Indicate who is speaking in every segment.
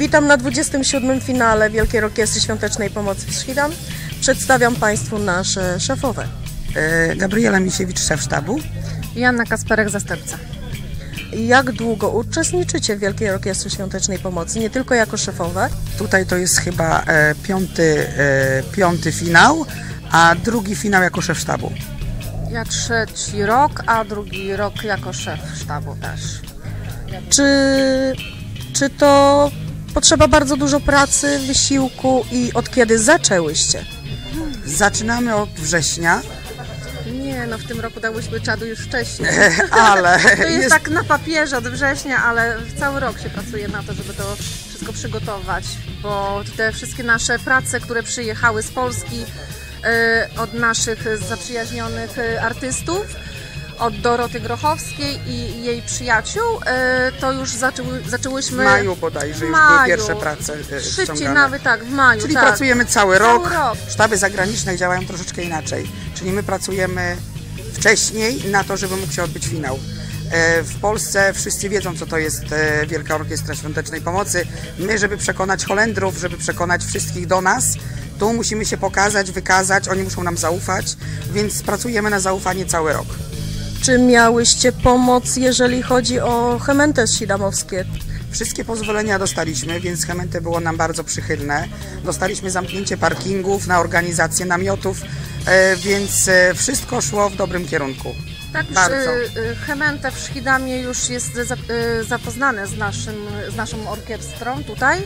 Speaker 1: Witam na 27. finale Wielkiej Orkiestry Świątecznej Pomocy w Schiedam. Przedstawiam Państwu nasze szefowe.
Speaker 2: Gabriela Misiewicz, szef sztabu.
Speaker 3: Joanna Kasperek, zastępca.
Speaker 1: Jak długo uczestniczycie w Wielkiej Orkiestrze Świątecznej Pomocy, nie tylko jako szefowe?
Speaker 2: Tutaj to jest chyba piąty finał, a drugi finał jako szef sztabu.
Speaker 3: Ja trzeci rok, a drugi rok jako szef sztabu też.
Speaker 1: Czy to potrzeba bardzo dużo pracy, wysiłku i od kiedy zaczęłyście?
Speaker 2: Zaczynamy od września.
Speaker 3: Nie, no w tym roku dałyśmy czadu już wcześniej.
Speaker 2: Ale
Speaker 3: to jest tak na papierze od września, ale cały rok się pracuje na to, żeby to wszystko przygotować, bo te wszystkie nasze prace, które przyjechały z Polski, od naszych zaprzyjaźnionych artystów, od Doroty Grochowskiej i jej przyjaciół, to już zaczęłyśmy
Speaker 2: w maju bodajże już były pierwsze prace
Speaker 3: szybciej
Speaker 2: ściągane.
Speaker 3: Nawet tak, w maju.
Speaker 2: Czyli
Speaker 3: tak.
Speaker 2: pracujemy cały rok. Sztaby zagraniczne działają troszeczkę inaczej. Czyli my pracujemy wcześniej na to, żeby mógł się odbyć finał. W Polsce wszyscy wiedzą, co to jest Wielka Orkiestra Świątecznej Pomocy. My, żeby przekonać Holendrów, żeby przekonać wszystkich do nas, tu musimy się pokazać, wykazać, oni muszą nam zaufać, więc pracujemy na zaufanie cały rok.
Speaker 1: Czy miałyście pomoc, jeżeli chodzi o Chemente Schiedamowskie?
Speaker 2: Wszystkie pozwolenia dostaliśmy, więc Chemente było nam bardzo przychylne. Dostaliśmy zamknięcie parkingów na organizację namiotów, więc wszystko szło w dobrym kierunku.
Speaker 3: Tak, Chemente w Schiedamie już jest zapoznane z naszą orkiestrą tutaj.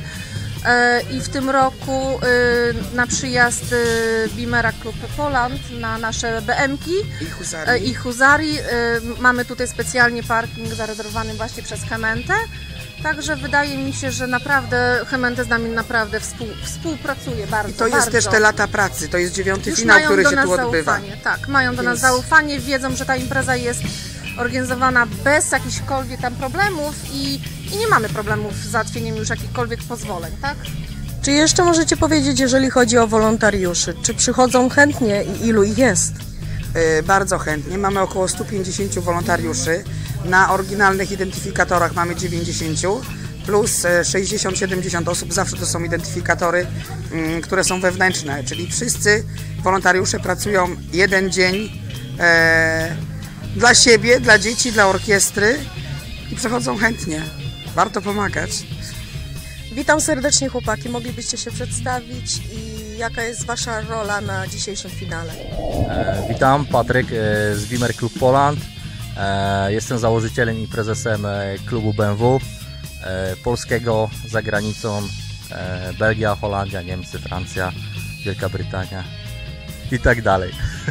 Speaker 3: I w tym roku na przyjazd Beamera Club Poland na nasze BM-ki i Huzarii mamy tutaj specjalnie parking zarezerwowany właśnie przez Chemente. Także wydaje mi się, że naprawdę Chemente z nami naprawdę współpracuje bardzo.
Speaker 2: I to jest też te lata pracy, to jest 9.
Speaker 3: Już
Speaker 2: finał, który się tu odbywa.
Speaker 3: Zaufanie. Tak, mają do nas zaufanie, wiedzą, że ta impreza jest organizowana bez jakichkolwiek tam problemów i nie mamy problemów z załatwieniem już jakichkolwiek pozwoleń, tak?
Speaker 1: Czy jeszcze możecie powiedzieć, jeżeli chodzi o wolontariuszy, czy przychodzą chętnie i ilu ich jest?
Speaker 2: Bardzo chętnie, mamy około 150 wolontariuszy, na oryginalnych identyfikatorach mamy 90, plus 60-70 osób, zawsze to są identyfikatory, które są wewnętrzne, czyli wszyscy wolontariusze pracują jeden dzień dla siebie, dla dzieci, dla orkiestry i przychodzą chętnie. Warto pomagać.
Speaker 1: Witam serdecznie, chłopaki. Moglibyście się przedstawić i jaka jest Wasza rola na dzisiejszym finale?
Speaker 4: Witam, Patryk z Beamer Club Poland. Jestem założycielem i prezesem klubu BMW polskiego za granicą. Belgia, Holandia, Niemcy, Francja, Wielka Brytania i tak dalej.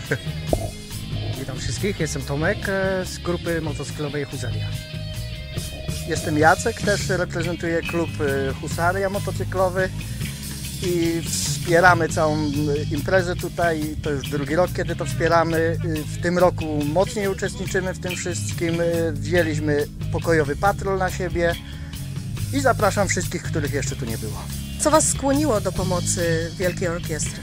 Speaker 5: Witam wszystkich, jestem Tomek z grupy motocyklowej Husaria.
Speaker 6: Jestem Jacek, też reprezentuję klub Husaria motocyklowy i wspieramy całą imprezę tutaj. To już drugi rok, kiedy to wspieramy. W tym roku mocniej uczestniczymy w tym wszystkim. Wzięliśmy pokojowy patrol na siebie i zapraszam wszystkich, których jeszcze tu nie było.
Speaker 1: Co Was skłoniło do pomocy Wielkiej Orkiestry?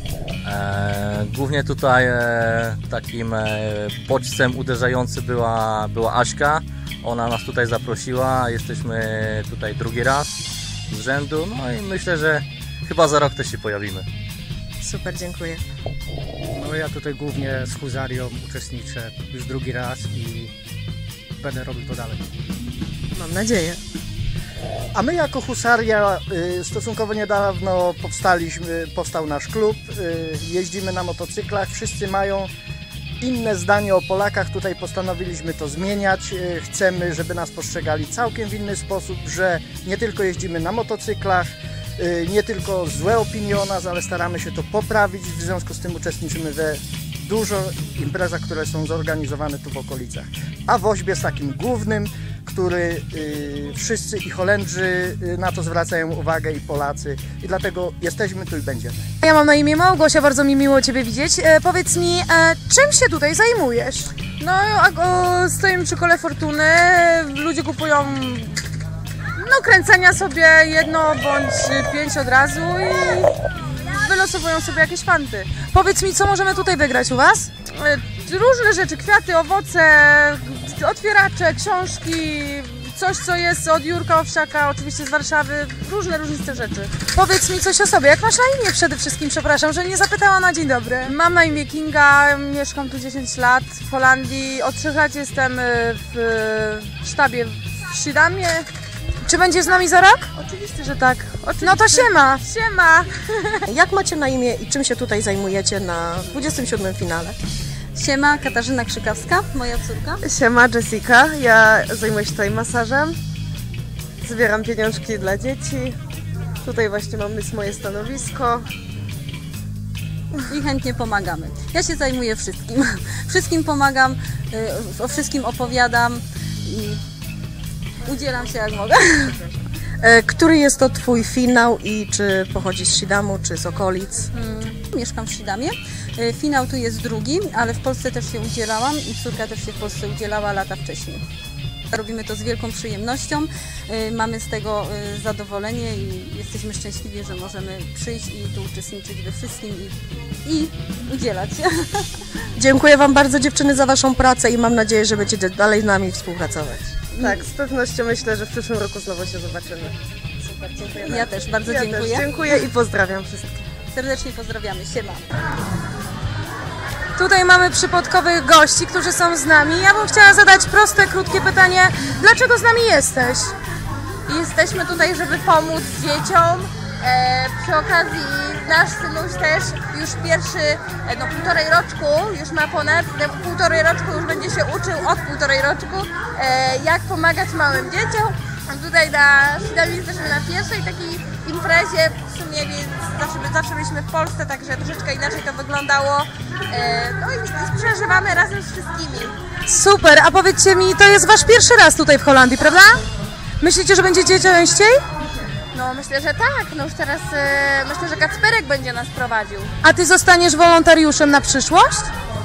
Speaker 4: Głównie tutaj takim bodźcem uderzającym była Aśka. Ona nas tutaj zaprosiła, jesteśmy tutaj drugi raz z rzędu, no i myślę, że chyba za rok też się pojawimy.
Speaker 1: Super, dziękuję.
Speaker 5: No ja tutaj głównie z Husarią uczestniczę już drugi raz i będę robił to dalej.
Speaker 1: Mam nadzieję.
Speaker 6: A my jako Husaria stosunkowo niedawno powstał nasz klub, jeździmy na motocyklach, wszyscy mają inne zdanie o Polakach, tutaj postanowiliśmy to zmieniać, chcemy, żeby nas postrzegali całkiem w inny sposób, że nie tylko jeździmy na motocyklach, nie tylko złe opinie o nas, ale staramy się to poprawić, w związku z tym uczestniczymy we dużo imprezach, które są zorganizowane tu w okolicach. A Woźb jest takim głównym, który wszyscy i Holendrzy na to zwracają uwagę i Polacy i dlatego jesteśmy tu i będziemy.
Speaker 3: Ja mam na imię Małgosia, bardzo mi miło Ciebie widzieć. Powiedz mi, czym się tutaj zajmujesz? No, stoimy przy Kole Fortuny, ludzie kupują kręcenia sobie jedno bądź 5 od razu i wylosowują sobie jakieś fanty. Powiedz mi, co możemy tutaj wygrać u Was? Różne rzeczy, kwiaty, owoce, otwieracze, książki, coś, co jest od Jurka Owsiaka, oczywiście z Warszawy, różne różniste rzeczy. Powiedz mi coś o sobie, jak masz na imię przede wszystkim, przepraszam, że nie zapytałam na dzień dobry. Mam na imię Kinga, mieszkam tu 10 lat w Holandii, od 3 lat jestem w sztabie w Schiedamie. Czy będziesz z nami za rok? Oczywiście, że tak. Oczywiście. No to siema! Siema!
Speaker 1: Jak macie na imię i czym się tutaj zajmujecie na 27. finale?
Speaker 7: Siema, Katarzyna Krzykawska, moja córka.
Speaker 8: Siema, Jessica. Ja zajmuję się tutaj masażem. Zbieram pieniążki dla dzieci. Tutaj właśnie mamy moje stanowisko.
Speaker 7: I chętnie pomagamy. Ja się zajmuję wszystkim. Wszystkim pomagam, o wszystkim opowiadam i udzielam się jak mogę.
Speaker 1: Który jest to Twój finał i czy pochodzi z Schiedamu, czy z okolic?
Speaker 7: Mieszkam w Schiedamie. Finał tu jest drugi, ale w Polsce też się udzielałam i córka też się w Polsce udzielała lata wcześniej. Robimy to z wielką przyjemnością, mamy z tego zadowolenie i jesteśmy szczęśliwi, że możemy przyjść i tu uczestniczyć we wszystkim i udzielać się.
Speaker 1: Dziękuję Wam bardzo, dziewczyny, za Waszą pracę i mam nadzieję, że będziecie dalej z nami współpracować.
Speaker 8: Tak, z pewnością myślę, że w przyszłym roku znowu się zobaczymy.
Speaker 7: Super, dziękuję. Ja też bardzo dziękuję.
Speaker 8: Też dziękuję i pozdrawiam wszystkich.
Speaker 7: Serdecznie pozdrawiamy. Siema.
Speaker 3: Tutaj mamy przypadkowych gości, którzy są z nami. Ja bym chciała zadać proste, krótkie pytanie. Dlaczego z nami jesteś?
Speaker 9: Jesteśmy tutaj, żeby pomóc dzieciom. Przy okazji nasz synuś też już pierwszy, półtorej roczku, już ma ponad półtorej roczku, już będzie się uczył od półtorej roczku, jak pomagać małym dzieciom. A tutaj na Schiedamie jesteśmy na pierwszej takiej imprezie, w sumie zawsze byliśmy w Polsce, także troszeczkę inaczej to wyglądało. No i przeżywamy razem z wszystkimi.
Speaker 3: Super, a powiedzcie mi, to jest Wasz pierwszy raz tutaj w Holandii, prawda? Myślicie, że będziecie częściej?
Speaker 9: No myślę, że tak. No już teraz myślę, że Kacperek będzie nas prowadził.
Speaker 3: A Ty zostaniesz wolontariuszem na przyszłość?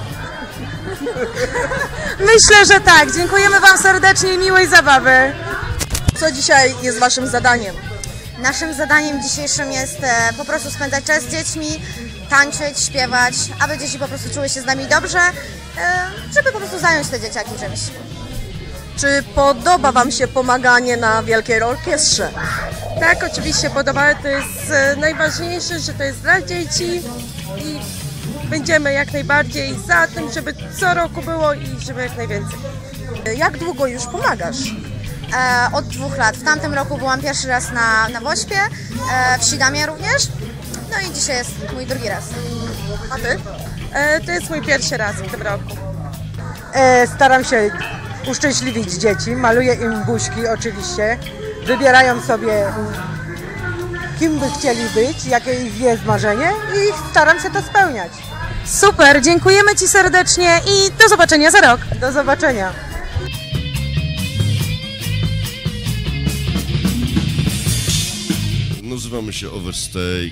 Speaker 3: Myślę, że tak. Dziękujemy Wam serdecznie i miłej zabawy.
Speaker 1: Co dzisiaj jest Waszym zadaniem?
Speaker 10: Naszym zadaniem dzisiejszym jest po prostu spędzać czas z dziećmi, tańczyć, śpiewać, aby dzieci po prostu czuły się z nami dobrze, żeby po prostu zająć te dzieciaki czymś.
Speaker 1: Czy podoba Wam się pomaganie na Wielkiej Orkiestrze?
Speaker 8: Tak, oczywiście podoba. To jest najważniejsze, że to jest dla dzieci i będziemy jak najbardziej za tym, żeby co roku było i żeby jak najwięcej.
Speaker 1: Jak długo już pomagasz?
Speaker 10: Od 2 lat. W tamtym roku byłam pierwszy raz na Wośpie, w Schiedamie również, no i dzisiaj jest mój drugi raz.
Speaker 1: A Ty?
Speaker 8: To jest mój pierwszy raz w tym roku.
Speaker 11: Staram się uszczęśliwić dzieci, maluję im buźki oczywiście, wybierają sobie kim by chcieli być, jakie ich jest marzenie i staram się to spełniać.
Speaker 3: Super, dziękujemy Ci serdecznie i do zobaczenia za rok.
Speaker 11: Do zobaczenia.
Speaker 12: Nazywamy się Overstay.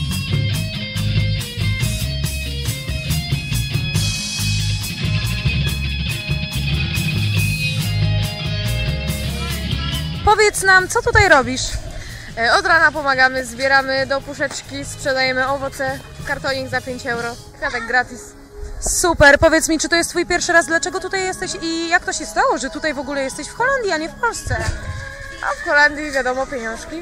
Speaker 3: Powiedz nam, co tutaj robisz?
Speaker 9: Od rana pomagamy, zbieramy do puszeczki, sprzedajemy owoce, kartonik za 5 euro, kwiatek gratis.
Speaker 3: Super, powiedz mi, czy to jest Twój pierwszy raz, dlaczego tutaj jesteś i jak to się stało, że tutaj w ogóle jesteś w Holandii, a nie w Polsce?
Speaker 9: A w Holandii wiadomo pieniążki,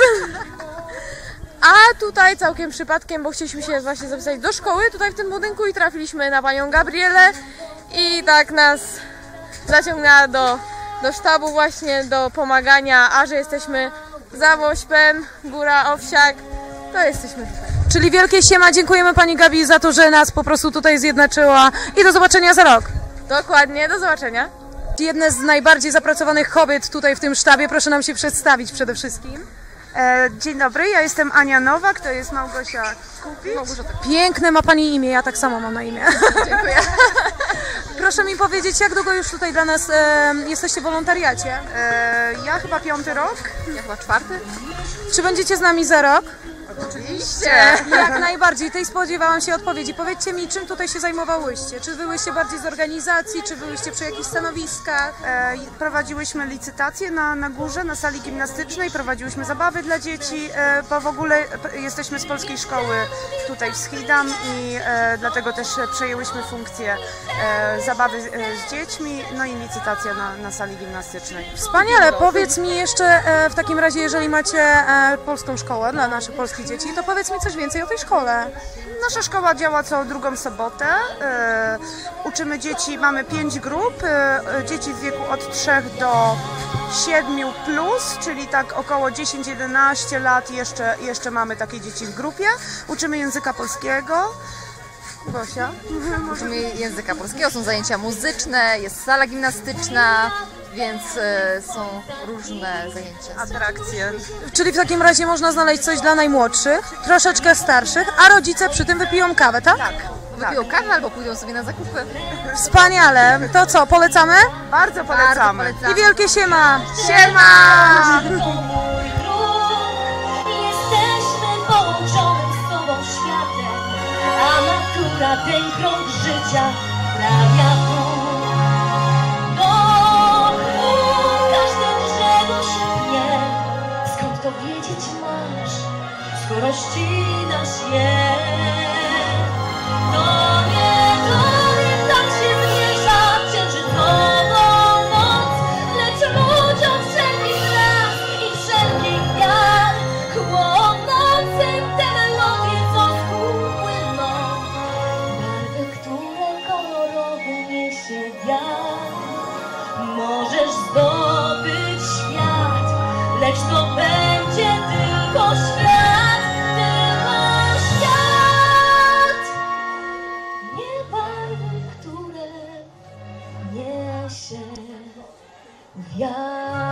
Speaker 9: a tutaj całkiem przypadkiem, bo chcieliśmy się właśnie zapisać do szkoły tutaj w tym budynku i trafiliśmy na panią Gabrielę i tak nas zaciągnęła do sztabu właśnie, do pomagania, a że jesteśmy za Wośpem, Góra Owsiak, to jesteśmy tutaj.
Speaker 3: Czyli wielkie siema, dziękujemy Pani Gabi za to, że nas po prostu tutaj zjednoczyła i do zobaczenia za rok.
Speaker 9: Dokładnie, do zobaczenia.
Speaker 3: Jedne z najbardziej zapracowanych kobiet tutaj w tym sztabie, proszę nam się przedstawić przede wszystkim.
Speaker 13: Dzień dobry, ja jestem Ania Nowak, to jest Małgosia Kupic.
Speaker 3: Piękne ma Pani imię, ja tak samo mam na imię.
Speaker 9: Dziękuję.
Speaker 3: Proszę mi powiedzieć, jak długo już tutaj dla nas jesteście w wolontariacie?
Speaker 13: Ja chyba 5. rok.
Speaker 9: Ja chyba 4.
Speaker 3: Czy będziecie z nami za rok?
Speaker 9: Oczywiście.
Speaker 13: Jak najbardziej. Tej spodziewałam się odpowiedzi. Powiedzcie mi, czym tutaj się zajmowałyście? Czy byłyście bardziej z organizacji, czy byłyście przy jakichś stanowiskach?
Speaker 14: Prowadziłyśmy licytacje na górze, na sali gimnastycznej, prowadziłyśmy zabawy dla dzieci, bo w ogóle jesteśmy z polskiej szkoły tutaj w Schiedam i dlatego też przejęłyśmy funkcję zabawy z dziećmi, no i licytacja na sali gimnastycznej.
Speaker 13: Wspaniale. Powiedz mi jeszcze w takim razie, jeżeli macie polską szkołę dla naszych polskich dzieci, to powiedz mi coś więcej o tej szkole.
Speaker 14: Nasza szkoła działa co drugą sobotę. Uczymy dzieci, mamy 5 grup, dzieci w wieku od 3 do 7 plus, czyli tak około 10-11 lat jeszcze mamy takie dzieci w grupie. Uczymy języka polskiego. Gosia?
Speaker 9: Uczymy języka polskiego, są zajęcia muzyczne, jest sala gimnastyczna, więc są różne zajęcia.
Speaker 14: Atrakcje.
Speaker 13: Czyli w takim razie można znaleźć coś dla najmłodszych, troszeczkę starszych, a rodzice przy tym wypiją kawę, tak?
Speaker 9: Tak. Wypiją kawę albo pójdą sobie na zakupy.
Speaker 13: Wspaniale. To co, polecamy?
Speaker 14: Bardzo polecamy.
Speaker 13: I wielkie siema!
Speaker 14: Siema!
Speaker 15: Jesteśmy połączonym z sobą światem, a natura ten krąg życia sprawia każde drzewo się skąd to wiedzieć masz, skoro ścinasz je. To nie tak się zmierza księżycową noc, lecz ludziom wszelkich raz i wszelkich wiar, chłonącym te melodie, co z gór płyną, barwy, które kolorowo niesie wiatr. Możesz zdobyć świat, lecz to będzie tylko świat, nie barwy, które niesie wiatr.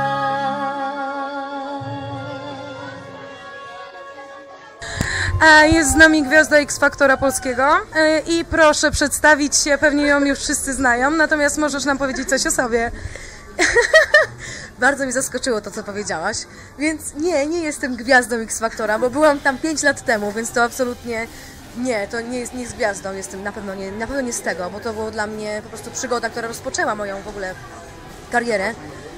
Speaker 13: A jest z nami gwiazda X-Faktora polskiego i proszę przedstawić się, pewnie ją już wszyscy znają, natomiast możesz nam powiedzieć coś o sobie.
Speaker 16: Bardzo mi zaskoczyło to, co powiedziałaś, więc nie jestem gwiazdą X-Faktora, bo byłam tam 5 lat temu, więc to absolutnie nie, to nie jest gwiazdą, jestem na pewno nie z tego, bo to było dla mnie po prostu przygoda, która rozpoczęła moją w ogóle karierę.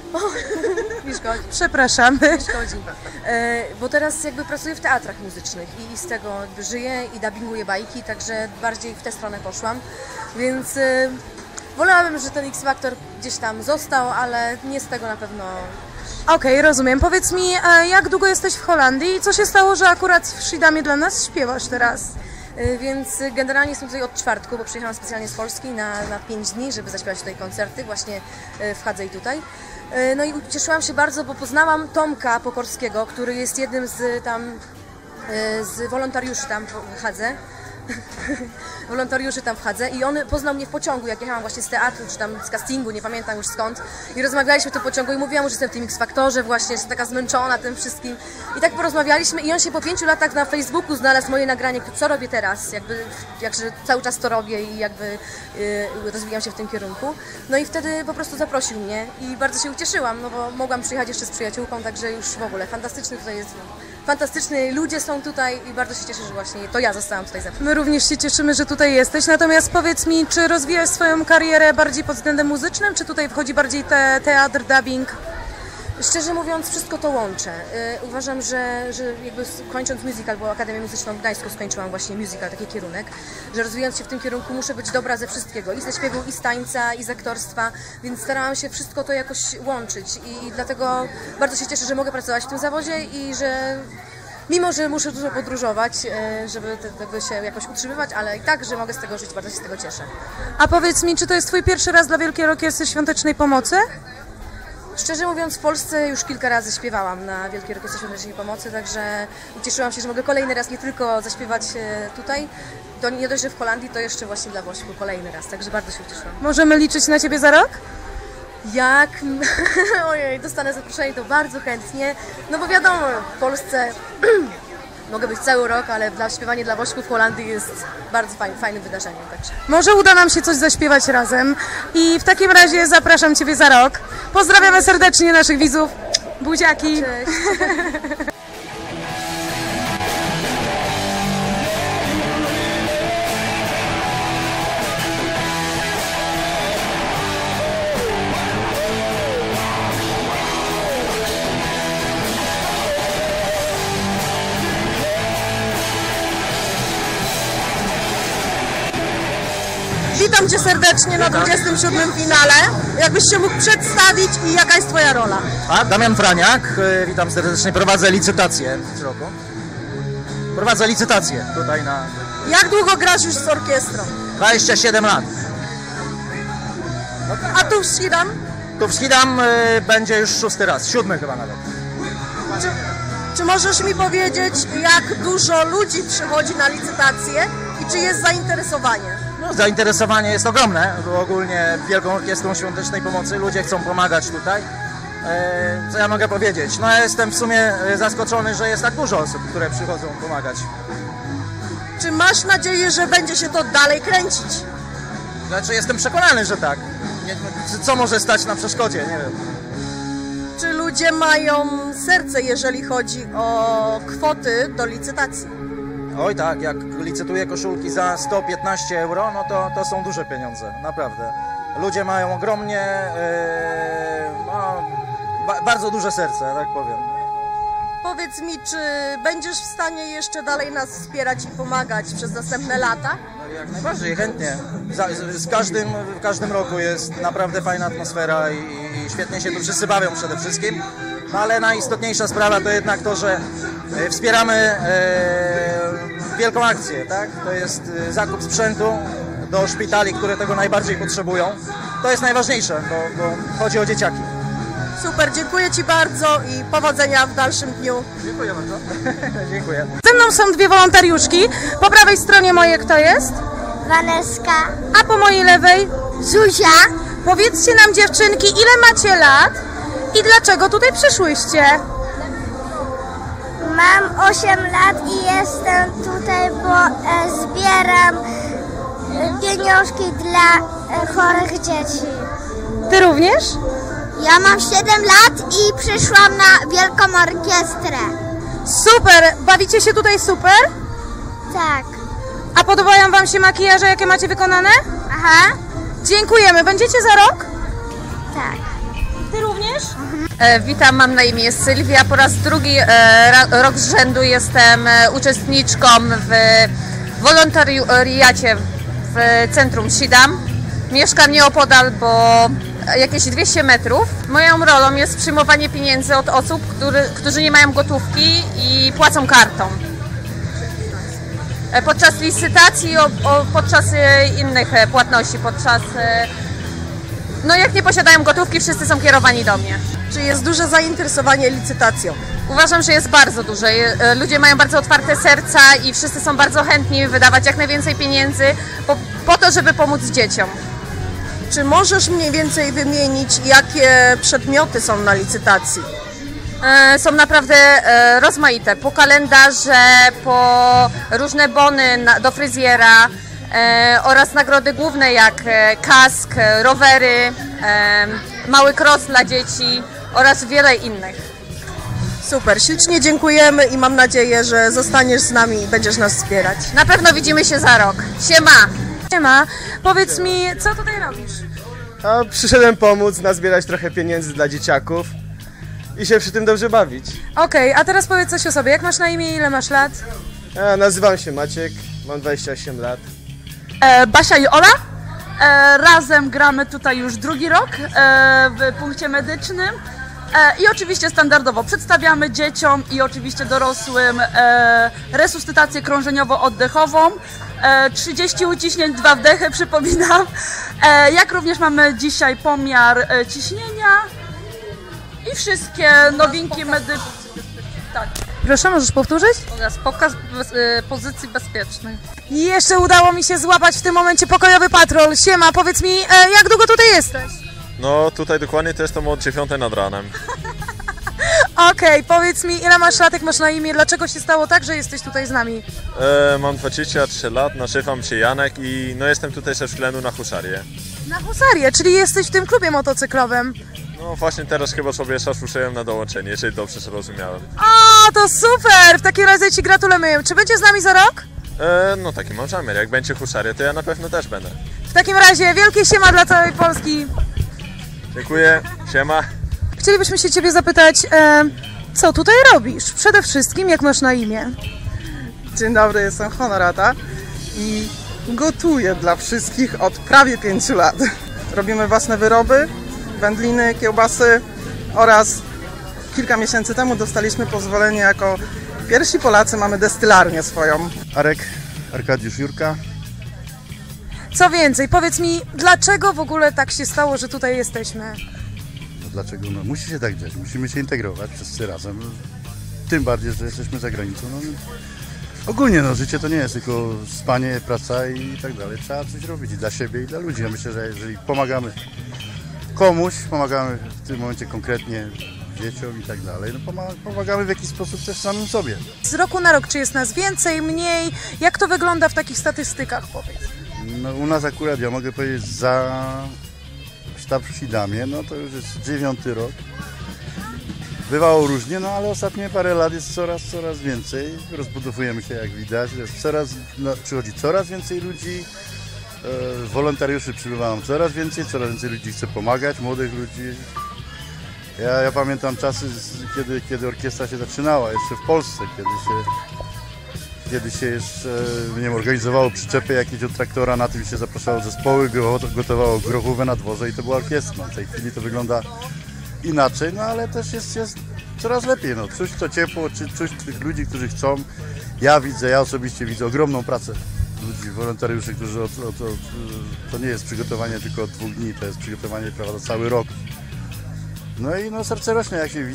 Speaker 16: Nie szkodzi.
Speaker 13: Przepraszamy.
Speaker 16: Nie szkodzi. Bo teraz jakby pracuję w teatrach muzycznych i z tego jakby żyję i dubbinguję bajki, także bardziej w tę stronę poszłam, więc wolałabym, że ten X-Faktor gdzieś tam został, ale nie z tego na pewno.
Speaker 13: Okej, rozumiem. Powiedz mi, jak długo jesteś w Holandii i co się stało, że akurat w Schiedamie dla nas śpiewasz teraz?
Speaker 16: Więc generalnie jestem tutaj od czwartku, bo przyjechałam specjalnie z Polski na 5 dni, żeby zaśpiewać tutaj koncerty właśnie w Hadze i tutaj. No i ucieszyłam się bardzo, bo poznałam Tomka Pokorskiego, który jest jednym z wolontariuszy tam w Hadze. Wolontariuszy tam w Hadze i on poznał mnie w pociągu, jak jechałam właśnie z teatru, czy tam z castingu, nie pamiętam już skąd. I rozmawialiśmy w tym pociągu i mówiłam, że jestem w tym X-Faktorze właśnie, że taka zmęczona tym wszystkim. I tak porozmawialiśmy i on się po 5 latach na Facebooku znalazł moje nagranie, co robię teraz, jakże cały czas to robię i jakby rozwijam się w tym kierunku. No i wtedy po prostu zaprosił mnie i bardzo się ucieszyłam, no bo mogłam przyjechać jeszcze z przyjaciółką, także już w ogóle fantastyczny tutaj jest. Fantastyczni ludzie są tutaj i bardzo się cieszę, że właśnie to ja zostałam tutaj zaproszona.
Speaker 13: My również się cieszymy, że tutaj jesteś, natomiast powiedz mi, czy rozwijasz swoją karierę bardziej pod względem muzycznym, czy tutaj wchodzi bardziej teatr, dubbing?
Speaker 16: Szczerze mówiąc, wszystko to łączę. Uważam, że jakby kończąc musical, bo Akademię Muzyczną w Gdańsku skończyłam właśnie musical, taki kierunek, że rozwijając się w tym kierunku muszę być dobra ze wszystkiego, i ze śpiewu, i z tańca, i z aktorstwa, więc starałam się wszystko to jakoś łączyć i dlatego bardzo się cieszę, że mogę pracować w tym zawodzie i że mimo, że muszę dużo podróżować, żeby tego się jakoś utrzymywać, ale i tak, że mogę z tego żyć, bardzo się z tego cieszę.
Speaker 13: A powiedz mi, czy to jest twój pierwszy raz dla Wielkiej Orkiestry Świątecznej Pomocy?
Speaker 16: Szczerze mówiąc, w Polsce już kilka razy śpiewałam na Wielkiej Orkiestrze Świątecznej Pomocy, także ucieszyłam się, że mogę kolejny raz nie tylko zaśpiewać tutaj, to nie dość, że w Holandii, to jeszcze właśnie dla Włoszku kolejny raz, także bardzo się ucieszyłam.
Speaker 13: Możemy liczyć na Ciebie za rok?
Speaker 16: Jak? Ojej, dostanę zaproszenie, to bardzo chętnie, no bo wiadomo, w Polsce mogę być cały rok, ale śpiewanie dla Włoszków w Holandii jest bardzo fajnym wydarzeniem. Także.
Speaker 13: Może uda nam się coś zaśpiewać razem i w takim razie zapraszam Ciebie za rok. Pozdrawiamy serdecznie naszych widzów. Buziaki.
Speaker 16: Cześć.
Speaker 1: Witam Cię serdecznie na 27. finale. Jakbyś się mógł przedstawić i jaka jest Twoja rola?
Speaker 17: Damian Franiak, witam serdecznie, prowadzę licytację w tym roku. Prowadzę licytację tutaj na...
Speaker 1: Jak długo grasz już z orkiestrą?
Speaker 17: 27 lat.
Speaker 1: A tu w Schiedam?
Speaker 17: Tu w Schiedam będzie już 6. raz, 7. chyba nawet.
Speaker 1: Czy możesz mi powiedzieć, jak dużo ludzi przychodzi na licytację i czy jest zainteresowanie?
Speaker 17: No, zainteresowanie jest ogromne, bo ogólnie Wielką Orkiestrą Świątecznej Pomocy ludzie chcą pomagać tutaj. Co ja mogę powiedzieć? No ja jestem w sumie zaskoczony, że jest tak dużo osób, które przychodzą pomagać.
Speaker 1: Czy masz nadzieję, że będzie się to dalej kręcić?
Speaker 17: Znaczy jestem przekonany, że tak. Co może stać na przeszkodzie? Nie wiem.
Speaker 1: Czy ludzie mają serce, jeżeli chodzi o kwoty do licytacji?
Speaker 17: Oj tak, jak licytuję koszulki za 115 euro, no to są duże pieniądze, naprawdę. Ludzie mają ogromnie, bardzo duże serce, tak powiem.
Speaker 1: Powiedz mi, czy będziesz w stanie jeszcze dalej nas wspierać i pomagać przez następne lata?
Speaker 17: No, jak najbardziej, chętnie. W każdym roku jest naprawdę fajna atmosfera i świetnie się tu wszyscy bawią przede wszystkim. No ale najistotniejsza sprawa to jednak to, że wspieramy wielką akcję, tak? To jest zakup sprzętu do szpitali, które tego najbardziej potrzebują. To jest najważniejsze, bo chodzi o dzieciaki.
Speaker 1: Super, dziękuję Ci bardzo i powodzenia w dalszym dniu.
Speaker 17: Dziękuję bardzo. Dziękuję.
Speaker 13: Ze mną są dwie wolontariuszki. Po prawej stronie mojej kto jest?
Speaker 18: Waneska.
Speaker 13: A po mojej lewej?
Speaker 18: Zuzia.
Speaker 13: Powiedzcie nam dziewczynki, ile macie lat i dlaczego tutaj przyszłyście?
Speaker 18: Mam 8 lat i jestem tutaj, bo zbieram pieniążki dla chorych dzieci.
Speaker 13: Ty również?
Speaker 18: Ja mam 7 lat i przyszłam na Wielką Orkiestrę.
Speaker 13: Super! Bawicie się tutaj super?
Speaker 18: Tak.
Speaker 13: A podobają Wam się makijaże, jakie macie wykonane?
Speaker 18: Aha.
Speaker 13: Dziękujemy. Będziecie za rok?
Speaker 18: Tak.
Speaker 13: Ty również?
Speaker 19: Witam, mam na imię Sylwia. Po raz drugi rok z rzędu jestem uczestniczką w wolontariacie w centrum Schiedam. Mieszkam nieopodal, bo jakieś 200 metrów. Moją rolą jest przyjmowanie pieniędzy od osób, którzy nie mają gotówki i płacą kartą. Podczas licytacji, podczas innych płatności, no jak nie posiadają gotówki, wszyscy są kierowani do mnie.
Speaker 1: Czy jest duże zainteresowanie licytacją?
Speaker 19: Uważam, że jest bardzo duże. Ludzie mają bardzo otwarte serca i wszyscy są bardzo chętni wydawać jak najwięcej pieniędzy po to, żeby pomóc dzieciom.
Speaker 1: Czy możesz mniej więcej wymienić, jakie przedmioty są na licytacji?
Speaker 19: Są naprawdę rozmaite. Po kalendarze, po różne bony do fryzjera oraz nagrody główne jak kask, rowery, mały cross dla dzieci oraz wiele innych.
Speaker 1: Super, ślicznie dziękujemy i mam nadzieję, że zostaniesz z nami i będziesz nas wspierać.
Speaker 19: Na pewno widzimy się za rok. Siema!
Speaker 13: Siema, powiedz mi, co tutaj robisz?
Speaker 20: Przyszedłem pomóc, nazbierać trochę pieniędzy dla dzieciaków i się przy tym dobrze bawić.
Speaker 13: Okej, a teraz powiedz coś o sobie. Jak masz na imię i ile masz lat?
Speaker 20: Nazywam się Maciek, mam 28 lat.
Speaker 21: Basia i Ola. Razem gramy tutaj już drugi rok w punkcie medycznym. I oczywiście standardowo przedstawiamy dzieciom i oczywiście dorosłym resuscytację krążeniowo-oddechową. 30 uciśnięć, 2 wdechy, przypominam. Jak również mamy dzisiaj pomiar ciśnienia i wszystkie nowinki medyczne. Tak.
Speaker 13: Proszę, możesz powtórzyć?
Speaker 19: Oraz pokaz pozycji bezpiecznej.
Speaker 13: I jeszcze udało mi się złapać w tym momencie pokojowy patrol. Siema, powiedz mi, jak długo tutaj jesteś?
Speaker 22: No tutaj dokładnie to jestem od 9 nad ranem.
Speaker 13: Okej, powiedz mi, ile masz lat, jak masz na imię, dlaczego się stało tak, że jesteś tutaj z nami?
Speaker 22: Mam 23 lat, nazywam się Janek i no jestem tutaj ze względu na huszarię.
Speaker 13: Na husarię, czyli jesteś w tym klubie motocyklowym.
Speaker 22: No właśnie teraz chyba sobie zasłyszałem na dołączenie, jeżeli dobrze zrozumiałem.
Speaker 13: O, to super! W takim razie Ci gratulujemy. Czy będziesz z nami za rok?
Speaker 22: No taki mam zamiar, jak będzie huszarię, to ja na pewno też będę.
Speaker 13: W takim razie wielkie siema dla całej Polski.
Speaker 22: Dziękuję, siema.
Speaker 13: Chcielibyśmy się Ciebie zapytać, co tutaj robisz? Przede wszystkim, jak masz na imię?
Speaker 23: Dzień dobry, jestem Honorata i
Speaker 2: Gotuję dla wszystkich od prawie 5 lat. Robimy własne wyroby, wędliny, kiełbasy oraz kilka miesięcy temu dostaliśmy pozwolenie jako pierwsi Polacy, mamy destylarnię swoją.
Speaker 4: Arek, Arkadiusz Jurka.
Speaker 13: Co więcej, powiedz mi, dlaczego w ogóle tak się stało, że tutaj jesteśmy?
Speaker 4: No dlaczego? No, musi się tak dziać, musimy się integrować wszyscy razem. Tym bardziej, że jesteśmy za granicą. No, ogólnie no, życie to nie jest tylko spanie, praca i tak dalej. Trzeba coś robić i dla siebie, i dla ludzi. Ja myślę, że jeżeli pomagamy komuś, pomagamy w tym momencie konkretnie dzieciom i tak dalej, no pomagamy w jakiś sposób też samym sobie.
Speaker 13: Z roku na rok, czy jest nas więcej, mniej? Jak to wygląda w takich statystykach, powiedz?
Speaker 4: No, u nas akurat, ja mogę powiedzieć, za sztab w Sidamie, no to już jest 9. rok. Bywało różnie, no ale ostatnie parę lat jest coraz więcej. Rozbudowujemy się, jak widać. Jest przychodzi coraz więcej ludzi. Wolontariuszy przybywają coraz więcej ludzi chce pomagać, młodych ludzi. Ja pamiętam czasy, kiedy orkiestra się zaczynała, jeszcze w Polsce, kiedy się jeszcze, nie wiem, organizowało przyczepy jakieś od traktora, na tym się zapraszało zespoły, gotowało grochówę na dworze i to była orkiestra. W tej chwili to wygląda inaczej, no ale też jest coraz lepiej. No. Czuć to ciepło, czuć tych ludzi, którzy chcą. Ja osobiście widzę ogromną pracę ludzi, wolontariuszy, którzy to nie jest przygotowanie tylko od 2 dni, to jest przygotowanie, prawda, cały rok. No i no, serce rośnie, jak się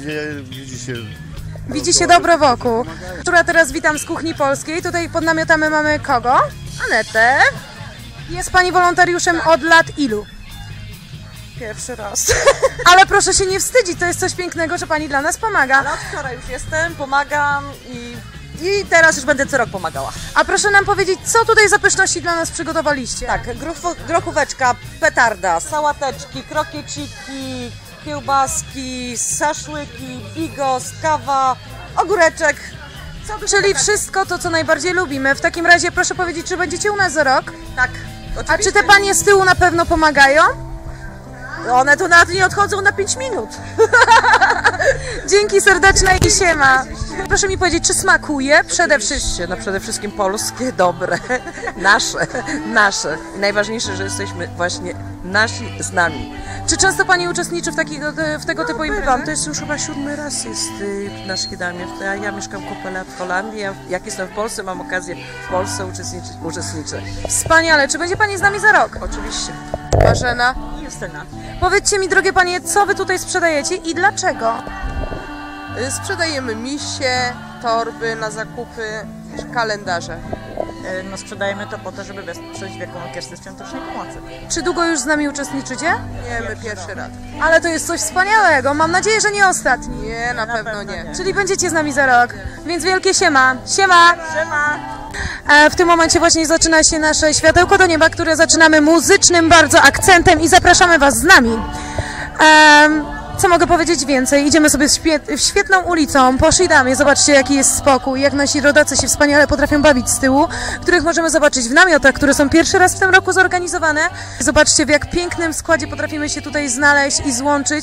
Speaker 13: Widzi się dobro wokół. Która teraz witam z kuchni polskiej. Tutaj pod namiotami mamy kogo? Anetę. Jest pani wolontariuszem od lat ilu?
Speaker 1: Pierwszy raz.
Speaker 13: Ale proszę się nie wstydzić, to jest coś pięknego, że pani dla nas pomaga.
Speaker 1: Ale od wczoraj już jestem, pomagam i teraz już będę co rok pomagała.
Speaker 13: A proszę nam powiedzieć, co tutaj za pyszności dla nas przygotowaliście?
Speaker 1: Tak, grochóweczka, petarda, sałateczki, krokieciki, kiełbaski, szaszłyki, bigos, kawa, ogóreczek.
Speaker 13: Czyli wszystko to, co najbardziej lubimy. W takim razie proszę powiedzieć, czy będziecie u nas za rok?
Speaker 1: Tak, oczywiście.
Speaker 13: A czy te panie z tyłu na pewno pomagają?
Speaker 1: One tu nawet nie odchodzą na 5 minut.
Speaker 13: Dzięki serdeczne i siema. Proszę mi powiedzieć, czy smakuje przede wszystkim?
Speaker 1: No przede wszystkim polskie, dobre, nasze. I najważniejsze, że jesteśmy właśnie nasi z nami.
Speaker 13: Czy często pani uczestniczy w tego typu imprezach?
Speaker 1: To jest już chyba 7. raz jest na Szkidamie. Ja mieszkam kupę lat w Holandii, jak jestem w Polsce, mam okazję w Polsce uczestniczę.
Speaker 13: Wspaniale. Czy będzie pani z nami za rok?
Speaker 1: Oczywiście.
Speaker 13: Marzena
Speaker 1: i Justyna.
Speaker 13: Powiedzcie mi, drogie panie, co wy tutaj sprzedajecie i dlaczego?
Speaker 23: Sprzedajemy misie, torby na zakupy, kalendarze.
Speaker 1: No sprzedajemy to po to, żeby wesprzeć Wielką Orkiestrę Świątecznej Pomocy.
Speaker 13: Czy długo już z nami uczestniczycie?
Speaker 23: Nie, my pierwszy raz.
Speaker 13: Ale to jest coś wspaniałego, mam nadzieję, że nie ostatni.
Speaker 23: Nie, na pewno nie.
Speaker 13: Czyli będziecie z nami za rok, więc wielkie siema. Siema!
Speaker 1: Siema!
Speaker 13: W tym momencie właśnie zaczyna się nasze światełko do nieba, które zaczynamy muzycznym bardzo akcentem i zapraszamy was z nami. Co mogę powiedzieć więcej? Idziemy sobie świetną ulicą po Szydamie. Zobaczcie, jaki jest spokój, jak nasi rodacy się wspaniale potrafią bawić z tyłu, których możemy zobaczyć w namiotach, które są pierwszy raz w tym roku zorganizowane. Zobaczcie, w jak pięknym składzie potrafimy się tutaj znaleźć i złączyć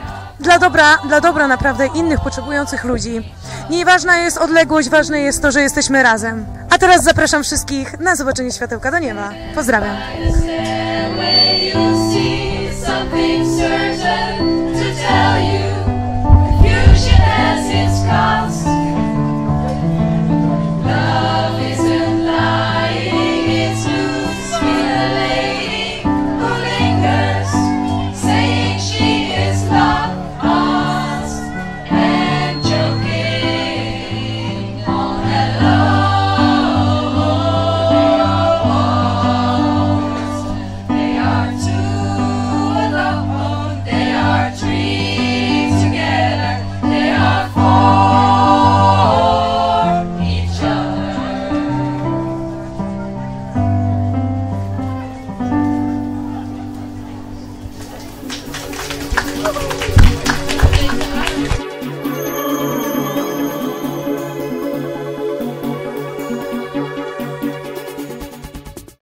Speaker 13: dla dobra naprawdę innych potrzebujących ludzi. Nieważna jest odległość, ważne jest to, że jesteśmy razem. A teraz zapraszam wszystkich na zobaczenie światełka do nieba. Pozdrawiam.
Speaker 15: Tell you, confusion has its cost.